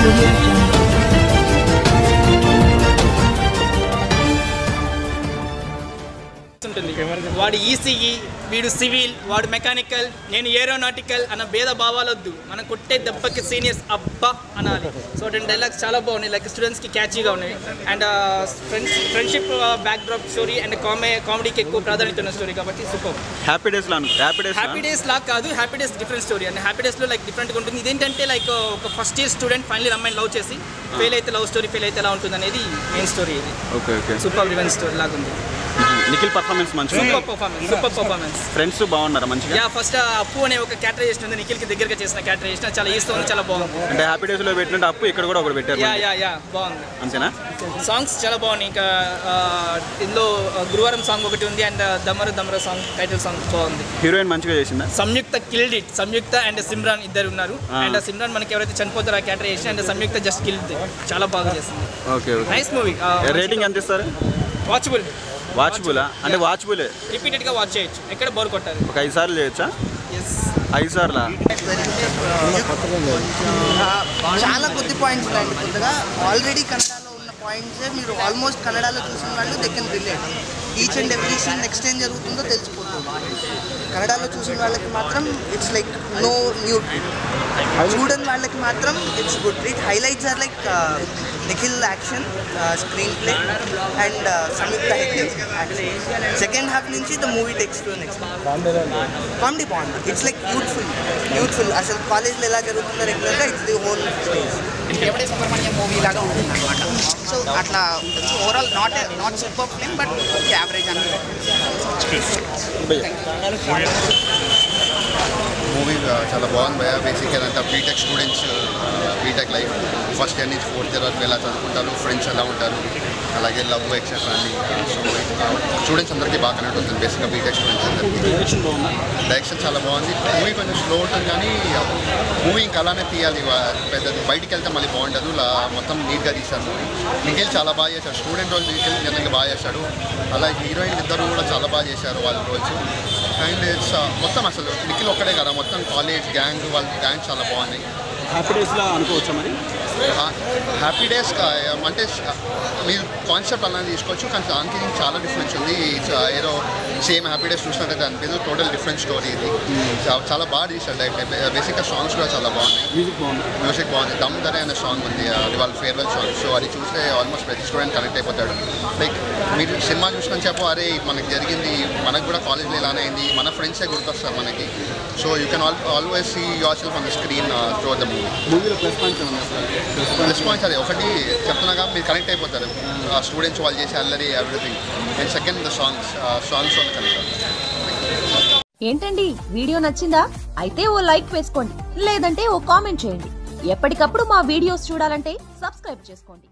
Audio Jungle. వాడు ECE, వీడు civil, వాడు మెకానికల్, నేను ఏరోనాటికల్ అన్న భేద భావాలొద్దు. మనం కొట్టే దెబ్బకి సీనియర్స్ అబ్బా అనాలి. సో రెండు డైలాగ్స్ చాలా బాగున్నాయి, లైక్ స్టూడెంట్స్కి క్యాచీగా ఉన్నాయి. And friendship backdrop story and కామెడీకి ఎక్కువ ప్రాధాన్యత ఉన్న స్టోరీ కాబట్టి సూపర్. హ్యాపీ డేస్ లా కాదు, happy days different story. And happy డేస్లో లైక్ డిఫరెంట్గా ఉంటుంది. ఇదేంటంటే లైక్ ఒక ఫస్ట్ ఇయర్ స్టూడెంట్ ఫైనల్ అమ్మాయిని లవ్ చేసి ఫెయిల్ అయితే లవ్ స్టోరీ, ఫెయిల్ అయితే ఎలా ఉంటుంది అనేది మెయిన్ స్టోరీ. ఇది సూపర్ రివెంజ్ స్టోరీ లాగా ఉంది. నిఖిల్ పర్ఫార్మెన్స్ మంచిగా, సూపర్ పర్ఫార్మెన్స్. ఫ్రెండ్స్ బాగున్నారా మంచిగా? యా, ఫస్ట్ అప్పు అనే ఒక క్యారెక్టరైజేషన్ ఉంది, నిఖిల్కి దగ్గరగా చేసిన క్యారెక్టరైజేషన్ చాలా ఈస్ట్ ఉంది, చాలా బాగుంది. అంటే హ్యాపీ డేస్ లో పెట్టినట్టు అప్పు ఇక్కడ కూడా ఒకటి పెట్టారు. యా బాగుంది. అంతేనా? సాంగ్స్ చాలా బాగున్నాయి. ఇంకా ఇందులో గురువారం సాంగ్ ఒకటి ఉంది and Damaru song, title song బాగుంది. హీరోయిన్ మంచిగా చేసిందా? Samyuktha killed it. Samyuktha and Simran ఇద్దరు ఉన్నారు. అండ్ సిమ్రాన్ మనకి ఎవరైతే చనిపోతారో ఆ characterization, and Samyuktha just killed, చాలా బాగా చేసింది. Okay, nice movie. రేటింగ్ ఎంత ఇస్తారు? వాచబుల్ అంటే వాచబుల్, రిపీటెడ్ గా వాచ్ చేయొచ్చు, ఎక్కడ బోర్ కొట్టారు. ఒక 5 సార్లు చేయొచ్చా? 5 సార్లా? చాలా కొద్ది పాయింట్స్ ఉన్నాయండి. కొద్దిగా ఆల్రెడీ కన్నడలో ఉన్న పాయింట్సే మీరు ఆల్మోస్ట్ కన్నడలో చూసిన వాళ్ళు they can relate. Each and every scene next ఏం జరుగుతుందో తెలిసిపోతుంది. కన్నడలో చూసిన వాళ్ళకి మాత్రం it's like no new treat, చూడని వాళ్ళకి మాత్రం it's good treat. Highlights are like Nikhil action, screenplay and Samyuktha Hegde action. Second half నుంచి the movie takes to next. Comedy బాగుంది. It's like beautiful. అసలు కాలేజ్లో ఎలా జరుగుతుందో రెగ్యులర్గా ఇట్స్ ది హోల్ స్టేజ్. ఎవడే సుబ్రహ్మణ్యం మూవీ లాగా ఉంటుంది అనమాట. సో అట్లా overall not super film but average అని. మూవీ చాలా బాగుంది భయ. బేసిక్ ఏదంటే BTech students, BTech life first year నుంచి 4th ఇయర్ వరకు ఎలా చదువుకుంటారు, ఫ్రెండ్స్ ఎలా ఉంటారు, అలాగే లవ్ ఎక్సెట్రా అని. సో స్టూడెంట్స్ అందరికీ బాగా కనెక్ట్ అవుతుంది బేసిక్గా బీటెక్ స్టూడెంట్స్ అందరికీ. డైరెక్షన్ చాలా బాగుంది. మూవీ కొంచెం స్లో ఉంటుంది కానీ మూవీ ఇంకా అలానే తీయాలి. పెద్దది బయటికి వెళ్తే మళ్ళీ బాగుండదు, మొత్తం నీట్గా తీశారు మూవీ. నిఖిల్ చాలా బాగా చేశాడు, స్టూడెంట్ రోల్ నిఖిల్ జనరల్గా బాగా చేశాడు. అలాగే హీరోయిన్ ఇద్దరు కూడా చాలా బాగా చేశారు వాళ్ళ రోల్స్. అండ్ ఇట్స్ మొత్తం అసలు నిఖిల్ ఒక్కడే కదా, మొత్తం కాలేజ్ గ్యాంగ్ వాళ్ళ గ్యాంగ్ చాలా బాగున్నాయి. హ్యాపీ డేస్లో అనుకోవచ్చా మరి? హ్యాపీ డేస్ అంటే మీరు కాన్సెప్ట్ అలానే తీసుకోవచ్చు, కానీ దానికి చాలా డిఫరెన్స్ ఉంది. ఏదో సేమ్ హ్యాపీ డేస్ చూసినట్టయితే అనిపించదు, టోటల్ డిఫరెంట్ స్టోరీ ఇది. చాలా బాగా తీశాడు డైరెక్ట్. బేసిక్గా సాంగ్స్ కూడా చాలా బాగున్నాయి, మ్యూజిక్ బాగుంది. దమ్ దరే అనే సాంగ్ ఉంది, అది వాళ్ళ ఫేర్వెల్ సాంగ్. సో అది చూస్తే ఆల్మోస్ట్ ప్రతి స్టూడెంట్ కనెక్ట్ అయిపోతాడు. లైక్ మీరు సినిమా చూసుకొని చెప్పు, అరే మనకి జరిగింది, మనకు కూడా కాలేజ్లో ఇలానే అయింది, మన ఫ్రెండ్సే గుర్తొస్తారు మనకి. So you can always see yourself on the screen through the movie. మూవీలో ప్లస్ పాయింట్స్ ప్లస్ పాయింట్స్ అదే ఒకటి చెప్తున్నాగా, మీరు కనెక్ట్ అయిపోతారు. స్టూడెంట్స్ వాళ్ళు చేసే అల్లరి everything. And second the songs వల్ల కనెక్ట్ అవుతారు. ఏంటండి వీడియో నచ్చిందా? అయితే ఓ లైక్ వేసుకోండి, లేదంటే ఓ కామెంట్ చేయండి. ఎప్పటికప్పుడు మా వీడియోస్ చూడాలంటే సబ్స్క్రైబ్ చేసుకోండి.